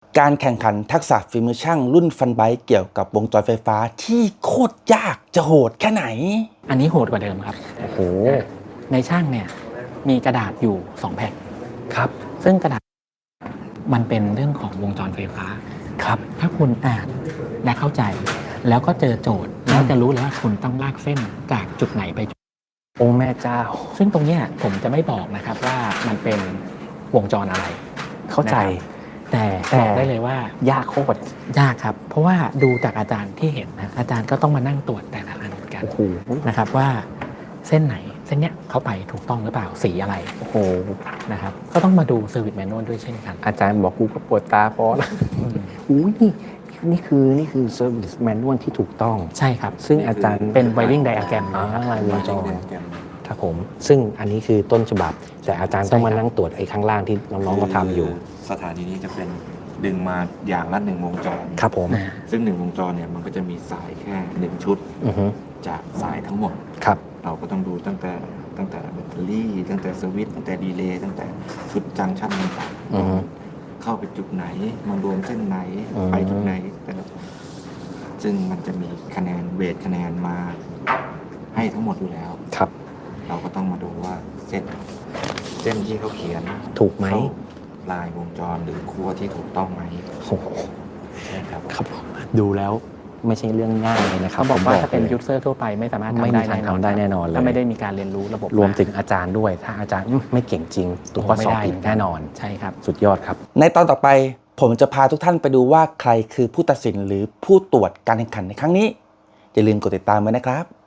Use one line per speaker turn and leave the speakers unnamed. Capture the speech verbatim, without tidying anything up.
การแข่งขันทักษะฝีมือช่างรุ่นฟันไบค์เกี่ยวกับวงจรไฟฟ้าที่โคตรยากจะโหดแค่ไหน
อันนี้โหดกว่าเดิมครับโอ้โหในช่างเนี่ยมีกระดาษอยู่สองแผ่นครับซึ่งกระดาษมันเป็นเรื่องของวงจรไฟฟ้าครับถ้าคุณอ่านและเข้าใจแล้วก็เจอโจทย์แล้วจะรู้เลยว่าคุณต้องลากเส้นจากจุดไหนไปจุด
โอ้แม่เจ้า
ซึ่งตรงนี้ผมจะไม่บอกนะครับว่ามันเป็นวงจรอะไร
เข้าใจ
แต่บอกได้เลยว่ายากโคตรยากครับเพราะว่าดูจากอาจารย์ที่เห็นนะอาจารย์ก็ต้องมานั่งตรวจแต่ละอันกันนะครับว่าเส้นไหนเส้นเนี้ยเขาไปถูกต้องหรือเปล่าสีอะไรโอ้โหนะครับก็ต้องมาดูเซอร์วิสแมนนวลด้วยเช่นกัน
อาจารย์บอกกูก็ปวดตาพอแล้วอุ้ยนี่นี่คือนี่คือเซอร์วิสแมนนวลที่ถูกต้อง
ใช่ครับ
ซึ่งอาจารย์
เป็นไวริ่งไดอะแกรม
ลายวงจรครับผมซึ่งอันนี้คือต้นฉบับแต่อาจารย์ต้องมานั่งตรวจไอ้ข้างล่างที่น้องๆก็ทำอยู่
สถานีนี้จะเป็นดึงมาอย่างละหนึ่งวงจร
ครับผม
ซึ่งหนึ่งวงจรเนี่ยมันก็จะมีสายแค่หนึ่งชุดจากสายทั้งหมด
ครับ
เราก็ต้องดูตั้งแต่ตั้งแต่แบตเตอรี่ตั้งแต่สวิตช์ตั้งแต่ดีเลย์ตั้งแต่ชุดจังชั่นต่างๆเข้าไปจุดไหนมารวมเส้นไหนไปจุดไหนแต่ละซึ่งมันจะมีคะแนนเวทคะแนนมาให้ทั้งหมดอยู่แล้ว
ครับ
เราก็ต้องมาดูว่าเส้นเส้นที่เขาเขียน
ถูกไหม
ลายวงจรหรือคั่วที่ถูกต้องไหม
โอ้โหใช่ครับครับดูแล้วไม่ใช่เรื่องง่ายเลยนะครับ
เขาบอกว่าถ้าเป็นยูเซอร์ทั่วไปไม่สามารถทำได้
ทำได้แน่นอนเลย
ถ้าไม่ได้มีการเรียนรู้ระบบ
รวมถึงอาจารย์ด้วยถ้าอาจารย์ไม่เก่งจริงตัวก็สอบผิดแน่นอน
ใช่ครับ
สุดยอดครับ
ในตอนต่อไปผมจะพาทุกท่านไปดูว่าใครคือผู้ตัดสินหรือผู้ตรวจการแข่งขันในครั้งนี้อย่าลืมกดติดตามไว้นะครับ